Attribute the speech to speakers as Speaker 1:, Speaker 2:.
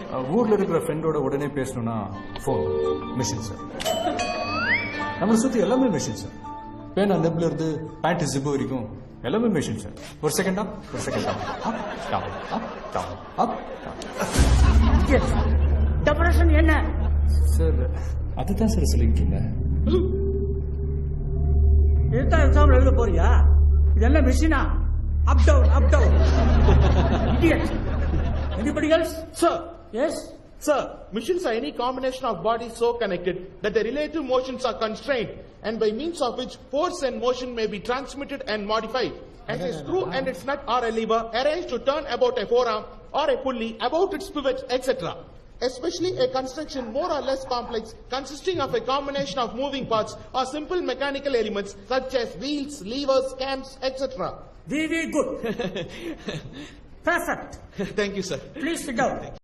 Speaker 1: ஊர்ல இருக்கிற ஃப்ரெண்டோட உடனே பேசணும்னா ஃபோன் மிஷின் சார். நம்மளை சுற்றி எல்லாமே மிஷின் சார். பேனா நெப்ல இருந்து பேண்ட் ஜிப்பு வரைக்கும் எல்லாமே மிஷின் சார். ஒரு செகண்ட் அப், ஒரு second up, up down, up down, up
Speaker 2: டெபரேஷன் என்ன
Speaker 1: சார்? அதுதான் சார் சொல்லிட்டு இருந்தேன்.
Speaker 2: இதுதான் எக்ஸாம் எழுத போறியா? இதெல்லாம் மிஷினா? Up down, up down. Idiot. Anybody else?
Speaker 3: Sir.
Speaker 2: Yes.
Speaker 3: Sir, machines are any combination of bodies so connected that the relative motions are constrained and by means of which force and motion may be transmitted and modified. As a screw and its nut or a lever arranged to turn about a forearm or a pulley about its pivot, etc. Especially a construction more or less complex consisting of a combination of moving parts or simple mechanical elements such as wheels, levers, cams, etc.
Speaker 2: Very good. Perfect.
Speaker 3: Thank you, sir.
Speaker 2: Please sit down.